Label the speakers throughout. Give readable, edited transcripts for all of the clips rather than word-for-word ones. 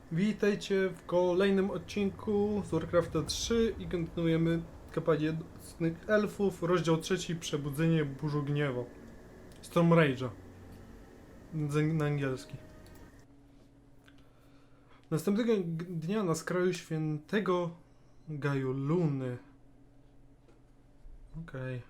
Speaker 1: Witajcie w kolejnym odcinku z Warcrafta 3 i kontynuujemy kampanię Nocnych Elfów, rozdział 3, Przebudzenie Burzu Gniewu. Storm Rage'a. Na angielski. Następnego dnia na skraju świętego Gaju Luny. Okej.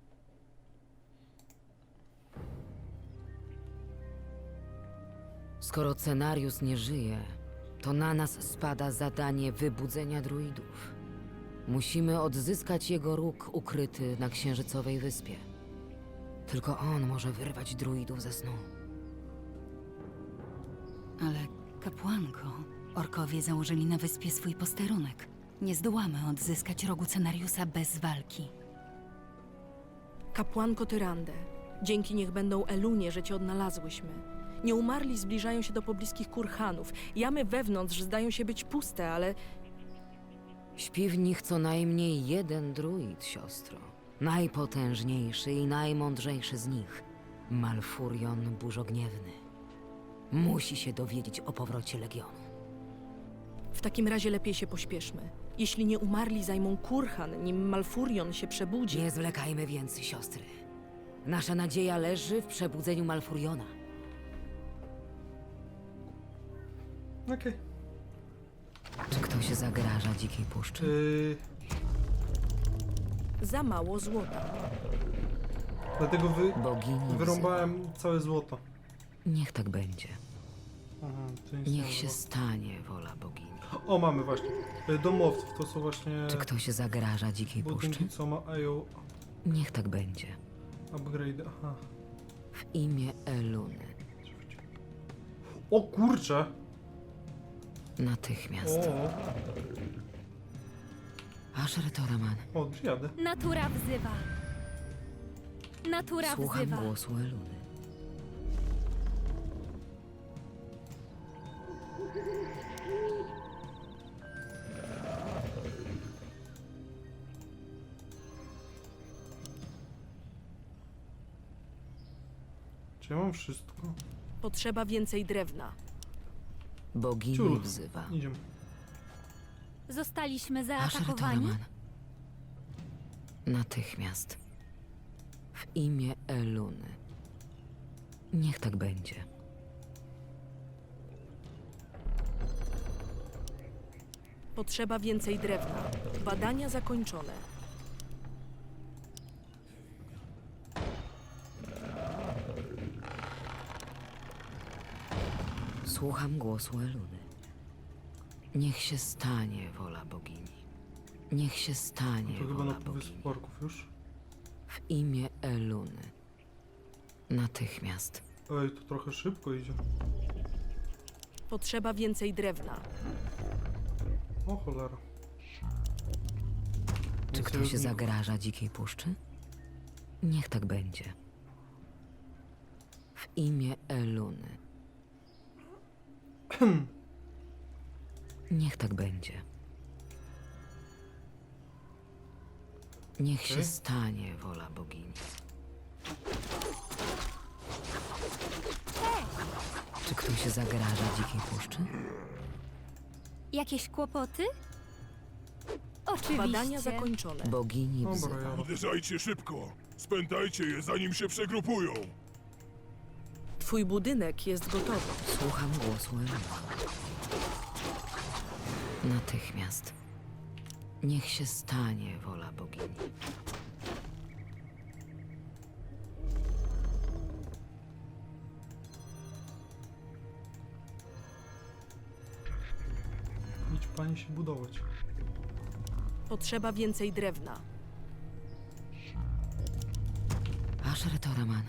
Speaker 2: Skoro Cenarius nie żyje, to na nas spada zadanie wybudzenia druidów. Musimy odzyskać jego róg ukryty na Księżycowej Wyspie. Tylko on może wyrwać druidów ze snu.
Speaker 3: Ale kapłanko, orkowie założyli na wyspie swój posterunek. Nie zdołamy odzyskać rogu Cenariusa bez walki.
Speaker 4: Kapłanko Tyrande, dzięki niech będą Elunie, że cię odnalazłyśmy. Nieumarli zbliżają się do pobliskich kurhanów. Jamy wewnątrz zdają się być puste, ale
Speaker 2: Śpi w nich co najmniej jeden druid, siostro. Najpotężniejszy i najmądrzejszy z nich. Malfurion Burzogniewny. Musi się dowiedzieć o powrocie Legionu.
Speaker 4: w takim razie lepiej się pośpieszmy. Jeśli nieumarli zajmą kurhan, nim Malfurion się przebudzi...
Speaker 2: Nie zwlekajmy więc, siostry. Nasza nadzieja leży w przebudzeniu Malfuriona.
Speaker 1: Okej.
Speaker 2: Czy ktoś zagraża dzikiej puszczy?
Speaker 4: Za mało złota.
Speaker 1: Dlatego
Speaker 2: Bogini
Speaker 1: wyrąbałem całe złoto.
Speaker 2: Niech tak będzie.
Speaker 1: Aha, to nic
Speaker 2: Niech
Speaker 1: nie
Speaker 2: się
Speaker 1: było.
Speaker 2: stanie wola bogini.
Speaker 1: O, mamy właśnie. Domowców to są właśnie
Speaker 2: Czy ktoś zagraża dzikiej puszczy?
Speaker 1: budynki, co mają
Speaker 2: Niech tak będzie.
Speaker 1: upgrade. Aha.
Speaker 2: W imię Eluny.
Speaker 1: O kurcze!
Speaker 2: Natychmiast. Asher Toraman.
Speaker 1: O, jadę.
Speaker 5: Natura wzywa. Natura
Speaker 2: Słucham
Speaker 5: wzywa.
Speaker 2: głosu Eluny.
Speaker 1: Czy ja mam wszystko?
Speaker 4: Potrzeba więcej drewna.
Speaker 2: Bogini
Speaker 1: Ciul.
Speaker 2: wzywa.
Speaker 1: Idziemy.
Speaker 5: Zostaliśmy
Speaker 2: Asher
Speaker 5: zaatakowani.
Speaker 2: Toraman. Natychmiast. W imię Eluny. Niech tak będzie.
Speaker 4: Potrzeba więcej drewna. Badania zakończone.
Speaker 2: Słucham głosu Eluny. Niech się stanie wola bogini. Niech się stanie
Speaker 1: To chyba
Speaker 2: wola
Speaker 1: na
Speaker 2: bogini.
Speaker 1: Wysp Orków już.
Speaker 2: W imię Eluny. Natychmiast.
Speaker 1: Ej, to trochę szybko idzie.
Speaker 4: Potrzeba więcej drewna.
Speaker 1: O cholera.
Speaker 2: Czy
Speaker 1: Więcej
Speaker 2: ktoś
Speaker 1: ludzi.
Speaker 2: zagraża dzikiej puszczy? Niech tak będzie. W imię Eluny. Niech tak będzie. Niech się
Speaker 1: Okej.
Speaker 2: stanie wola bogini. Czy ktoś zagraża dzikiej puszczy?
Speaker 5: Jakieś kłopoty? Oczywiście.
Speaker 4: Badania zakończone.
Speaker 2: Bogini
Speaker 1: Dobra,
Speaker 2: wzywa.
Speaker 1: ja.
Speaker 6: Uderzajcie szybko! Spętajcie je, zanim się przegrupują!
Speaker 4: Twój budynek jest gotowy.
Speaker 2: Słucham głosu Eluny. Natychmiast. Niech się stanie wola bogini.
Speaker 1: Idź pani się budować.
Speaker 4: Potrzeba więcej drewna.
Speaker 2: Asher Toraman.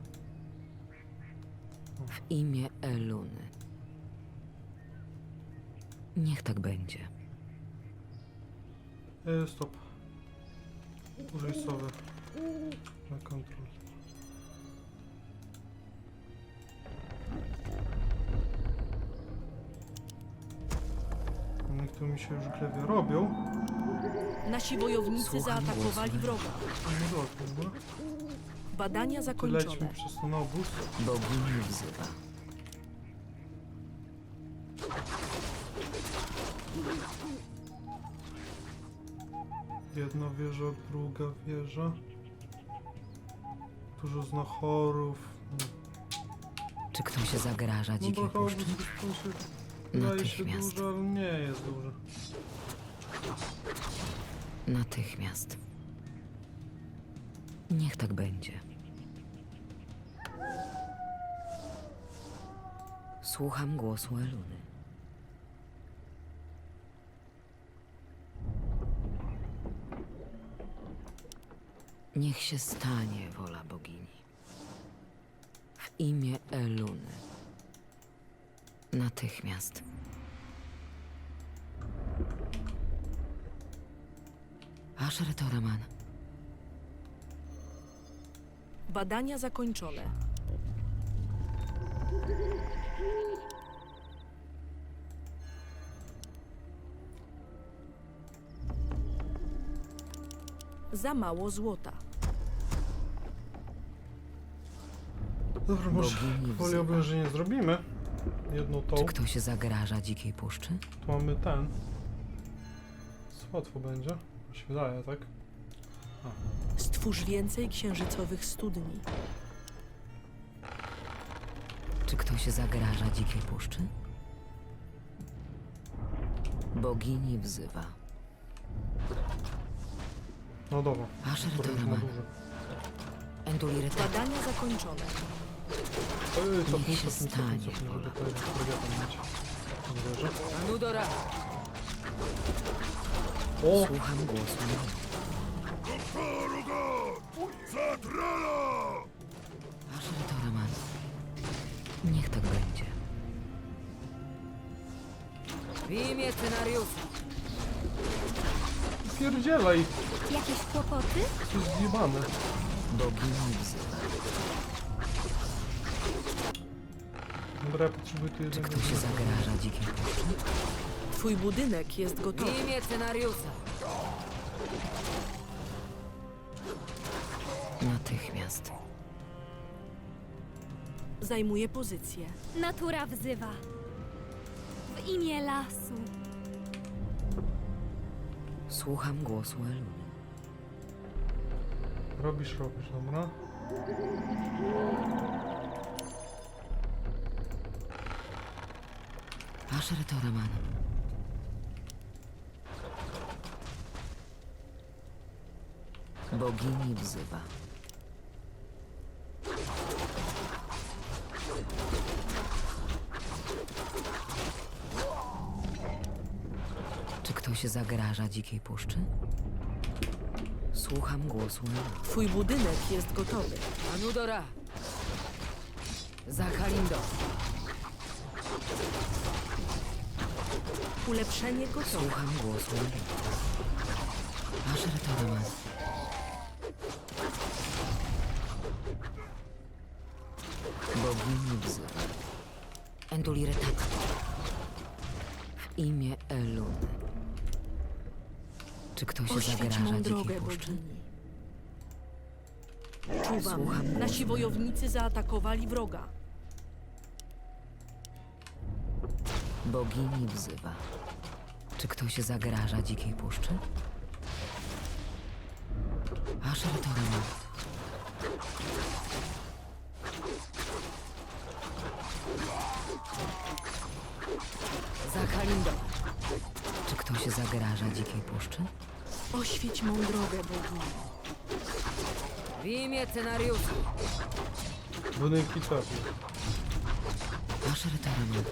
Speaker 2: W imię Eluny. Niech tak będzie.
Speaker 1: Stop. Użyj sowy. Na kontrol. Niech tu mi się już glewie robią.
Speaker 4: Nasi wojownicy
Speaker 2: Słucham
Speaker 4: zaatakowali
Speaker 2: głosu.
Speaker 4: wroga.
Speaker 1: No dobra, dobra.
Speaker 4: Badania
Speaker 1: Lećmy
Speaker 4: zakończone.
Speaker 1: przez ten obóz.
Speaker 2: Bogini wzywa.
Speaker 1: Jedna wieża, druga wieża. Dużo znachorów.
Speaker 2: Czy ktoś zagraża
Speaker 1: No
Speaker 2: dzikiej
Speaker 1: to
Speaker 2: puszczy?
Speaker 1: wydaje się
Speaker 2: Natychmiast.
Speaker 1: duży, ale nie jest duży.
Speaker 2: Natychmiast. Niech tak będzie. Słucham głosu Eluny. Niech się stanie wola bogini. W imię Eluny. Natychmiast. Asher Toraman.
Speaker 4: Badania zakończone. Za mało złota.
Speaker 1: Dobra, może
Speaker 2: Bogini
Speaker 1: woli
Speaker 2: wzywa.
Speaker 1: oblężenie zrobimy. Jedną tą.
Speaker 2: Czy ktoś zagraża dzikiej puszczy?
Speaker 1: Tu mamy ten. Łatwo będzie. Mi się wydaje, tak?
Speaker 4: Stwórz więcej księżycowych studni.
Speaker 2: Czy ktoś zagraża dzikiej puszczy? Bogini wzywa.
Speaker 1: No dobra.
Speaker 2: Asher
Speaker 1: Trochę już ma
Speaker 2: Toraman.
Speaker 1: duży.
Speaker 2: Endulireta.
Speaker 4: Badania zakończone.
Speaker 1: Cofnij,
Speaker 2: się stanie,
Speaker 1: żeby
Speaker 2: wola.
Speaker 1: to fregatem mieć. Dobrze.
Speaker 2: Anudora!
Speaker 1: O!
Speaker 2: Słucham głosu.
Speaker 6: Zatrala!
Speaker 2: Asher Toraman. Niech tak będzie. W imię scenariusza.
Speaker 1: Pierdzielaj!
Speaker 5: Jakieś kłopoty?
Speaker 1: To jest zjebane.
Speaker 2: Bogini wzywa.
Speaker 1: Dobra, ja potrzebuję tu
Speaker 2: Czy
Speaker 1: jednego.
Speaker 2: ktoś zagraża dzikiej puszczy?
Speaker 4: Twój budynek jest
Speaker 2: W
Speaker 4: gotowy.
Speaker 2: imię scenariusza. Natychmiast.
Speaker 4: Zajmuje pozycję.
Speaker 5: Natura wzywa. W imię lasu.
Speaker 2: Słucham głosu Eluny.
Speaker 1: Robisz, dobra.
Speaker 2: Asher Toraman. Bogini wzywa. Czy ktoś zagraża dzikiej puszczy? Słucham głosu Eluny.
Speaker 4: Twój budynek jest gotowy.
Speaker 2: Anudora! Zakalindo!
Speaker 4: Ulepszenie gotowe.
Speaker 2: Słucham głosu Eluny. Asher Toraman. Bogini wzywa. Enduliretata. W imię Eluny. Czy ktoś
Speaker 4: Oświeć
Speaker 2: zagraża
Speaker 4: mą
Speaker 2: dzikiej
Speaker 4: drogę,
Speaker 2: puszczy?
Speaker 4: bogini. Czuwam.
Speaker 2: Słucham
Speaker 4: Nasi
Speaker 2: głosu.
Speaker 4: wojownicy zaatakowali wroga.
Speaker 2: Bogini wzywa. Czy ktoś zagraża dzikiej puszczy? Asher Toraman. Zakalindo. Czy ktoś zagraża dzikiej puszczy?
Speaker 4: Oświeć mą drogę, bogini.
Speaker 2: W imię scenariusza.
Speaker 1: Budynki trafił.
Speaker 2: Asher Toraman.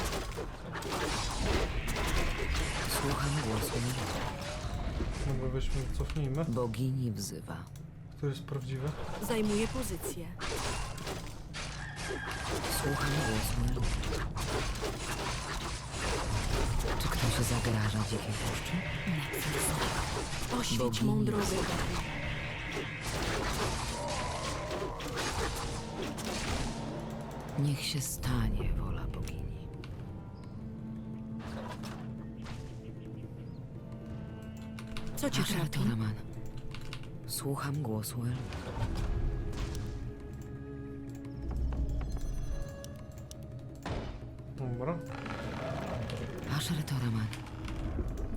Speaker 2: Słucham głosu Eluny.
Speaker 1: Dobra, weźmy, cofnijmy.
Speaker 2: Bogini wzywa.
Speaker 1: To jest prawdziwe.
Speaker 4: Zajmuje pozycję.
Speaker 2: Słucham głosu Eluny. Czy ktoś zagraża dzikiej puszczy?
Speaker 4: Oświeć
Speaker 2: Bogini
Speaker 4: mą drogę,
Speaker 2: wzywa.
Speaker 4: bogini.
Speaker 2: Niech się stanie wola bogini.
Speaker 4: Co cię
Speaker 2: Asher
Speaker 4: trapi?
Speaker 2: Toraman. Słucham głosu Eluny.
Speaker 1: Dobra.
Speaker 2: Asher Toraman.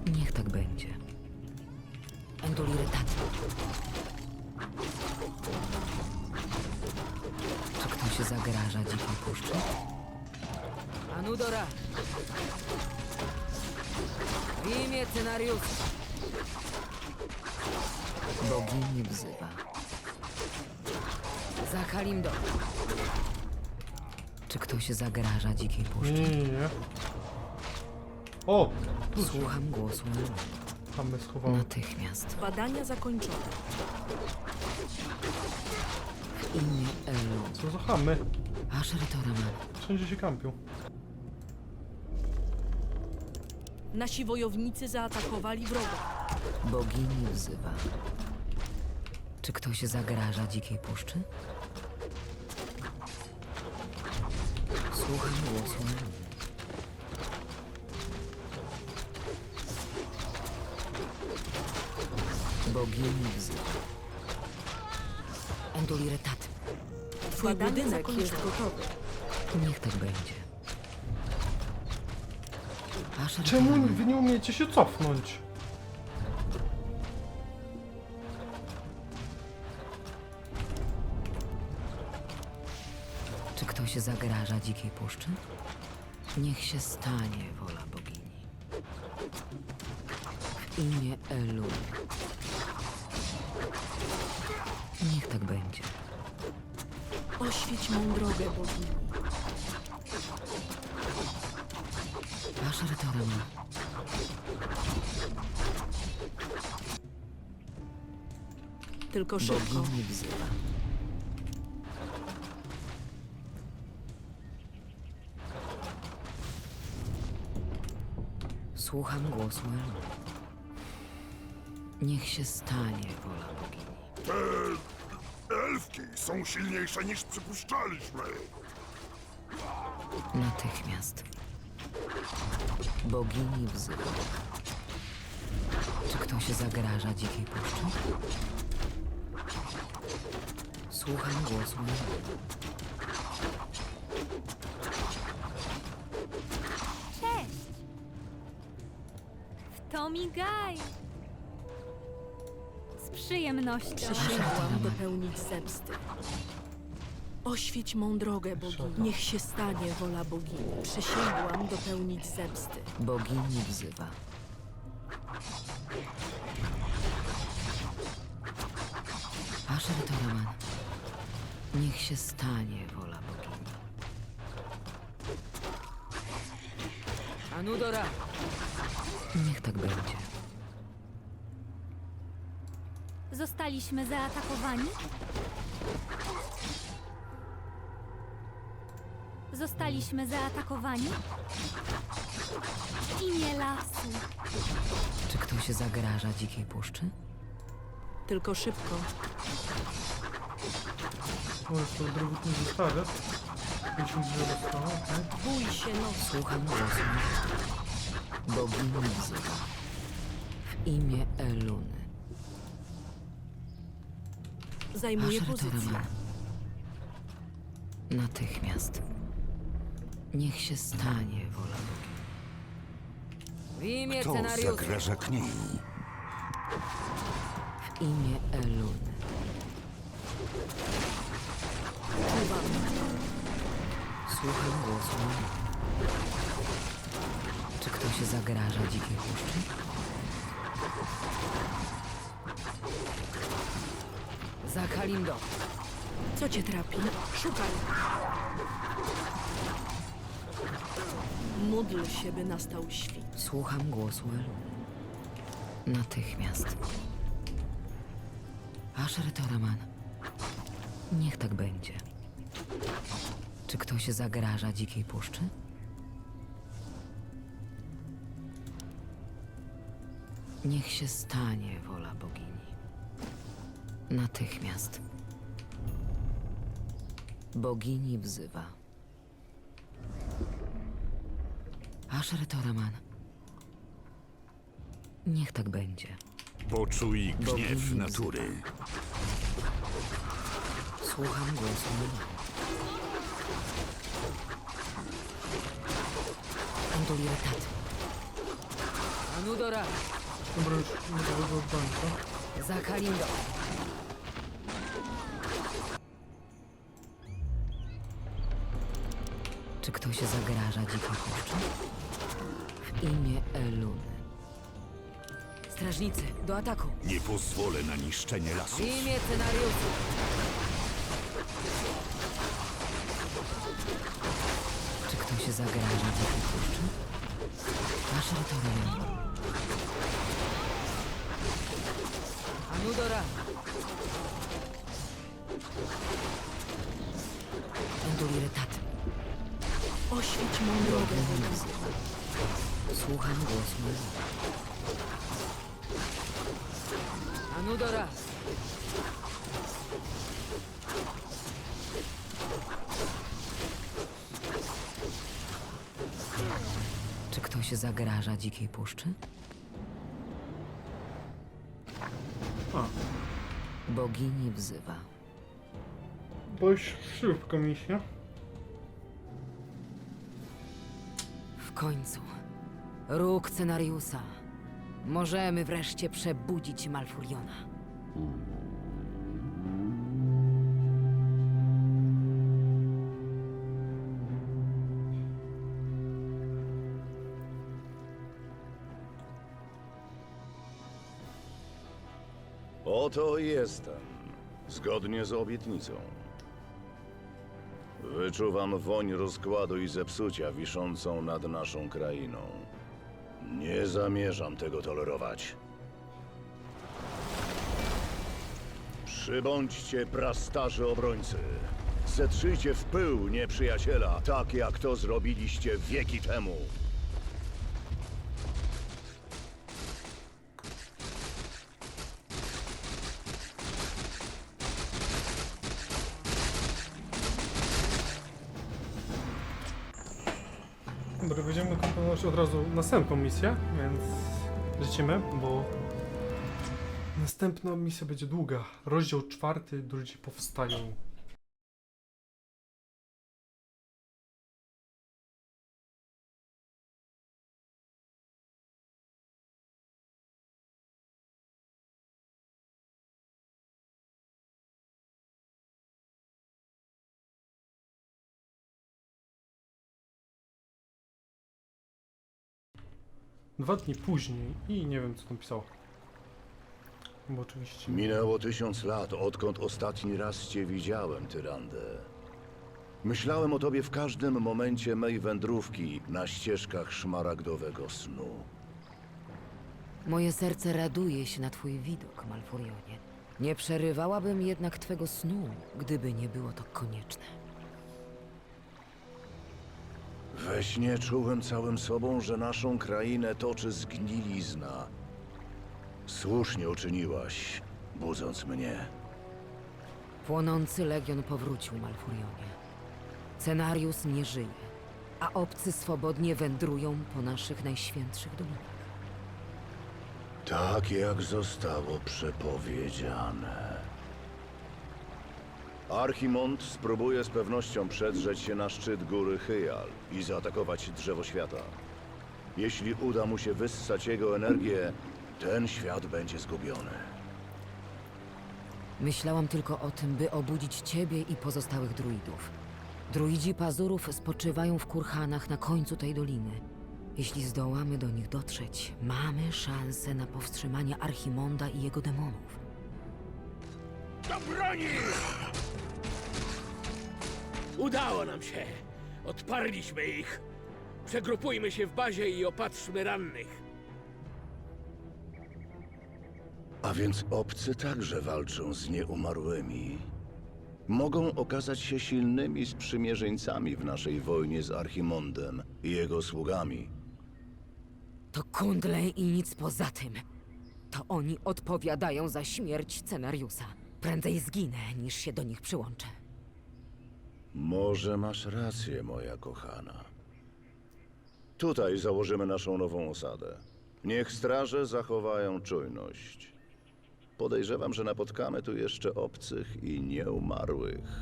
Speaker 2: Niech tak będzie. Enduliretat. Czy ktoś zagraża dzikiej puszczy? Anudora! W imię scenariusza! Bogini wzywa. Za Kalimdo. Czy ktoś zagraża dzikiej puszczy?
Speaker 1: Nie. O! Tu się
Speaker 2: Słucham głosu Elu.
Speaker 1: mamy schowały.
Speaker 2: Natychmiast.
Speaker 4: Badania zakończone.
Speaker 2: W imię Elu.
Speaker 1: Co za chamy?
Speaker 2: Asher Toraman.
Speaker 1: Wszędzie się kampią.
Speaker 4: Nasi wojownicy zaatakowali wroga.
Speaker 2: Bogini wzywa. Czy ktoś zagraża dzikiej puszczy? Słucham głosu Elu. Bogini wzywa. Enduliretat.
Speaker 4: Twój
Speaker 2: Badania
Speaker 4: budynek jest
Speaker 2: zakończone.
Speaker 4: gotowy.
Speaker 2: Niech tak będzie. Asher
Speaker 1: Czemu
Speaker 2: Toraman.
Speaker 1: wy nie umiecie się cofnąć?
Speaker 2: Czy ktoś zagraża dzikiej puszczy? Niech się stanie wola bogini. W imię Elu. Niech tak będzie.
Speaker 4: Oświeć mą drogę, bogini.
Speaker 2: Asher Toraman.
Speaker 4: Tylko szybko.
Speaker 2: Bogini wzywa. Słucham głosu Elu. Niech się stanie wola bogini.
Speaker 6: Te elfki są silniejsze niż przypuszczaliśmy.
Speaker 2: Natychmiast. Bogini wzywa. Czy ktoś zagraża dzikiej puszczy? Słucham głosu Elu.
Speaker 5: Cześć! W to migaj! Z przyjemnością.
Speaker 4: Przysięgłam dopełnić zemsty. Oświeć mą drogę, bogini. Niech się stanie wola bogini. Przysięgłam dopełnić zemsty.
Speaker 2: Bogini wzywa. Asher Toraman. Niech się stanie wola bogini. Anudora! Niech tak będzie.
Speaker 5: Zostaliśmy zaatakowani? Zostaliśmy zaatakowani? W imię lasu.
Speaker 2: Czy ktoś zagraża dzikiej puszczy?
Speaker 4: Tylko szybko.
Speaker 1: O, jest to drugotny zestawy. 50 drzew zostało, okej.
Speaker 4: Bój się nocy.
Speaker 2: Słucham głosu. Bogini wzywa. W imię Eluny.
Speaker 4: Zajmuję
Speaker 2: Asher
Speaker 4: pozycję.
Speaker 2: Toraman. Natychmiast. Niech się stanie wola bogini. W imię
Speaker 7: To
Speaker 2: scenariusza.
Speaker 7: zagraża kniei.
Speaker 2: W imię Eluny.
Speaker 4: Czuwam.
Speaker 2: Słucham głosu Eluny. Czy ktoś zagraża dzikiej puszczy? Za Kalimdo.
Speaker 4: Co cię trapi? Szukaj. Módl się, by nastał świt.
Speaker 2: Słucham głosu Eluny. Natychmiast. Asher Toraman. Niech tak będzie. Czy ktoś zagraża dzikiej puszczy? Niech się stanie wola bogini. Natychmiast. Bogini wzywa. Asher Toraman. Niech tak będzie.
Speaker 7: Poczuj gniew
Speaker 2: Bogini
Speaker 7: natury.
Speaker 2: Słucham głosu Eluny. Enduliretat. Anudora,
Speaker 1: Dobra, już nie było od końca.
Speaker 2: za Kalindo. Czy ktoś zagraża dzikiej puszczy? W imię Eluny. Strażnicy, do ataku!
Speaker 7: Nie pozwolę na niszczenie
Speaker 2: W
Speaker 7: lasów.
Speaker 2: imię scenariuszu! Czy ktoś zagraża dzikiej puszczy? Nasze terytorium. Anudora! Enduliretat.
Speaker 4: Oświeć mą drogę, Wodan.
Speaker 2: Słucham głosu Eluny. Anudora! Czy ktoś zagraża dzikiej puszczy?
Speaker 1: A,
Speaker 2: Bogini wzywa.
Speaker 1: dość szybko misja.
Speaker 2: W końcu. Róg scenariusza. Możemy wreszcie przebudzić Malfuriona.
Speaker 8: Oto jestem, zgodnie z obietnicą. Wyczuwam woń rozkładu i zepsucia wiszącą nad naszą krainą. Nie zamierzam tego tolerować. Przybądźcie, prastarzy obrońcy. Zetrzyjcie w pył nieprzyjaciela, tak jak to zrobiliście wieki temu.
Speaker 1: Dobra, będziemy kontynuować od razu następną misję, więc lecimy, bo następna misja będzie długa. Rozdział 4, drudzy powstają. Dwa dni później i nie wiem, co tam pisało. Bo oczywiście...
Speaker 8: Minęło 1000 lat, odkąd ostatni raz cię widziałem, Tyrandę. Myślałem o tobie w każdym momencie mej wędrówki na ścieżkach szmaragdowego snu.
Speaker 2: Moje serce raduje się na twój widok, Malfurionie. Nie przerywałabym jednak twego snu, gdyby nie było to konieczne.
Speaker 8: We śnie czułem całym sobą, że naszą krainę toczy zgnilizna. Słusznie uczyniłaś, budząc mnie.
Speaker 2: Płonący legion powrócił, Malfurionie. Cenarius nie żyje, a obcy swobodnie wędrują po naszych najświętszych dolinach.
Speaker 8: Tak jak zostało przepowiedziane. Archimond spróbuje z pewnością przedrzeć się na szczyt góry Hyjal i zaatakować Drzewo Świata. Jeśli uda mu się wyssać jego energię, ten świat będzie zgubiony.
Speaker 2: Myślałam tylko o tym, by obudzić ciebie i pozostałych druidów. Druidzi pazurów spoczywają w kurhanach na końcu tej doliny. Jeśli zdołamy do nich dotrzeć, mamy szansę na powstrzymanie Archimonda i jego demonów.
Speaker 9: Do broni! Udało nam się. Odparliśmy ich. Przegrupujmy się w bazie i opatrzmy rannych.
Speaker 8: A więc obcy także walczą z nieumarłymi. Mogą okazać się silnymi sprzymierzeńcami w naszej wojnie z Archimondem i jego sługami.
Speaker 2: To kundle i nic poza tym. To oni odpowiadają za śmierć Cenariusa. Prędzej zginę, niż się do nich przyłączę.
Speaker 8: Może masz rację, moja kochana. Tutaj założymy naszą nową osadę. Niech straże zachowają czujność. Podejrzewam, że napotkamy tu jeszcze obcych i nieumarłych.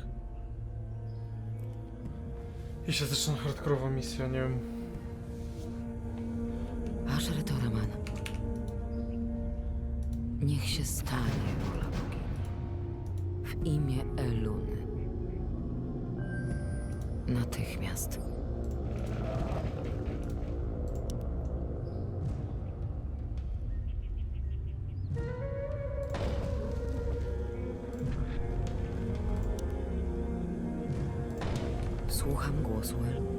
Speaker 1: I się zaczyna hardkorowa misja, nie wiem.
Speaker 2: Asher Toraman. Niech się stanie wola bogini. W imię Eluny. Natychmiast. Słucham głosu Eluny.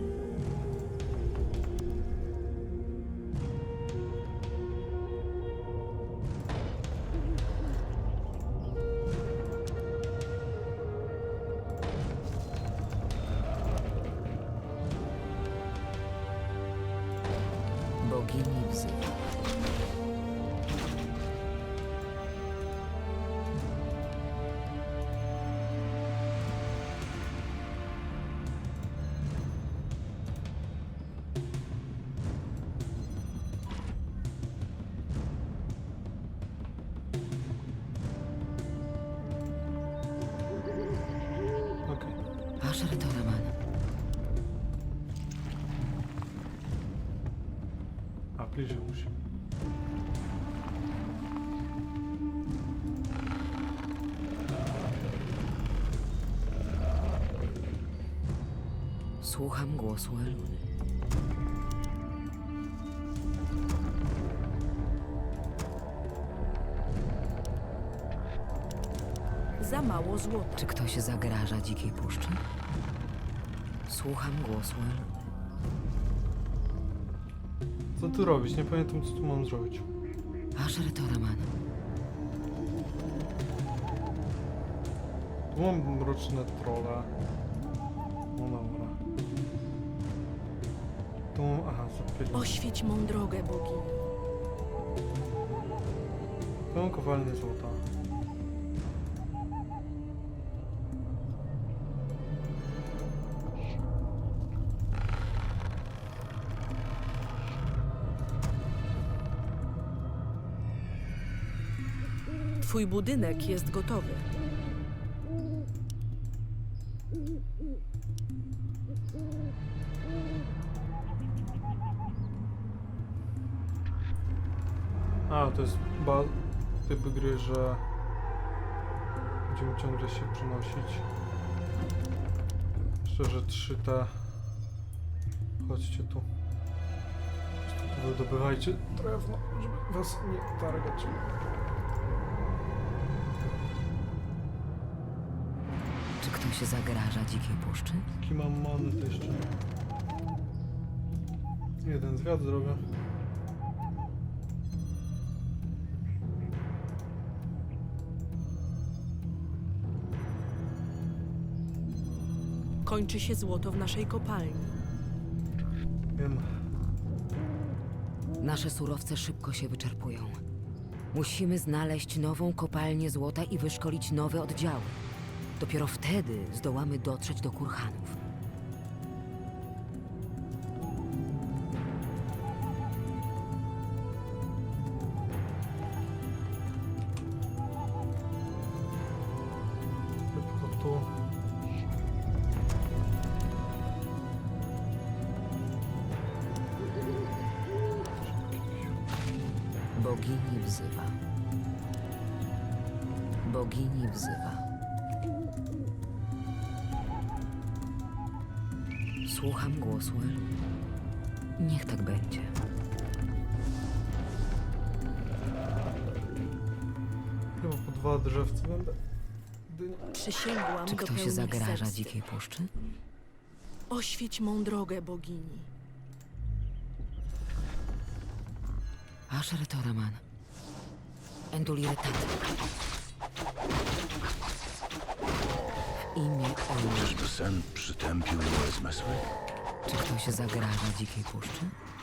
Speaker 2: Bogini wzywa.
Speaker 1: Okej.
Speaker 2: Asher Toraman.
Speaker 1: A, bliżej musi.
Speaker 2: Słucham głosu Eluny.
Speaker 4: Za mało złota.
Speaker 2: Czy ktoś zagraża dzikiej puszczy? Słucham głosu Eluny.
Speaker 1: Co tu robić? Nie pamiętam, co tu mam zrobić.
Speaker 2: Asher Toraman.
Speaker 1: Tu mam mroczne trolle. No dobra. Tu mam... Aha, zapierdolę.
Speaker 4: Oświeć mą drogę, bogini.
Speaker 1: Tu mam kowalnię złota.
Speaker 4: Twój budynek jest gotowy.
Speaker 1: A, to jest typ gry, że będziemy ciągle się przenosić. Szczerze 3T. Chodźcie tu. Wydobywajcie drewno, żeby was nie targać.
Speaker 2: Czy ktoś zagraża dzikiej puszczy?
Speaker 1: Jaki mam many to jeszcze? Jeden zwiat zrobię.
Speaker 4: Kończy się złoto w naszej kopalni.
Speaker 1: Wiem.
Speaker 2: Nasze surowce szybko się wyczerpują. Musimy znaleźć nową kopalnię złota i wyszkolić nowe oddziały. Dopiero wtedy zdołamy dotrzeć do Kurhanów.
Speaker 1: Szybko tu.
Speaker 2: Bogini wzywa. Bogini wzywa. Słucham głosu Eluny. Niech tak będzie.
Speaker 1: Chyba po 2 drzewce będę.
Speaker 4: Przysięgłam
Speaker 2: Czy
Speaker 4: do
Speaker 2: ktoś
Speaker 4: pełnej
Speaker 2: zagraża
Speaker 4: zemsty.
Speaker 2: dzikiej puszczy?
Speaker 4: Oświeć mą drogę, bogini.
Speaker 2: Asher Toraman. Enduliretat. W imię Eluny.
Speaker 8: Czyżby sen przytępił moje zmysły?
Speaker 2: Czy ktoś zagraża dzikiej puszczy?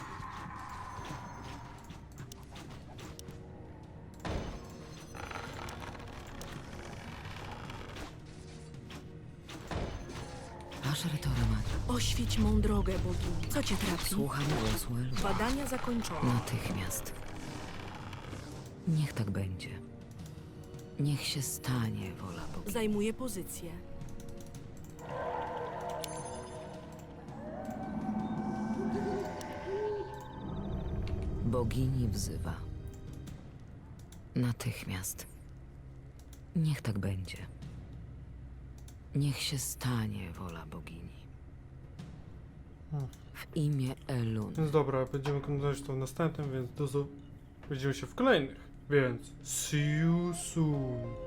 Speaker 2: Asher Toraman.
Speaker 4: Oświeć mą drogę, bogini. Co cię trapi?
Speaker 2: Słucham głosu Eluny.
Speaker 4: Badania zakończone.
Speaker 2: Natychmiast. Niech tak będzie. Niech się stanie wola Boga.
Speaker 4: Zajmuję pozycję.
Speaker 2: Bogini wzywa. Natychmiast. Niech tak będzie. Niech się stanie wola bogini. W imię Elun.
Speaker 1: Więc dobra, będziemy kontynuować to w następnym, więc widzimy się w kolejnych. Więc see you soon.